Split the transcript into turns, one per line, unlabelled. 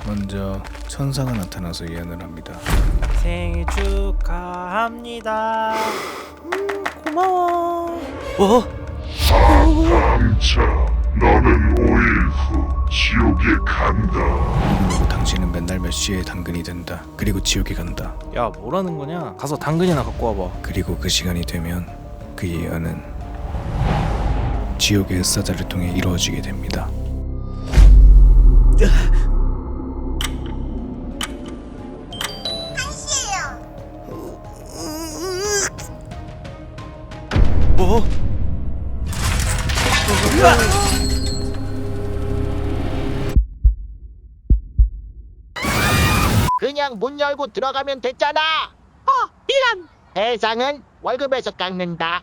먼저 천사가 나타나서 예언을 합니다.
생일 축하합니다. 고마워.
감차, 너는 5일 후 지옥에 간다.
당신은 맨날 몇 시에 당근이 된다. 그리고 지옥에 간다.
야, 뭐라는 거냐? 가서 당근이나 갖고 와봐.
그리고 그 시간이 되면 그 예언은 지옥의 흑사자를 통해 이루어지게 됩니다.
그냥 문 열고 들어가면 됐잖아. 미안. 해상은 월급에서 깎는다.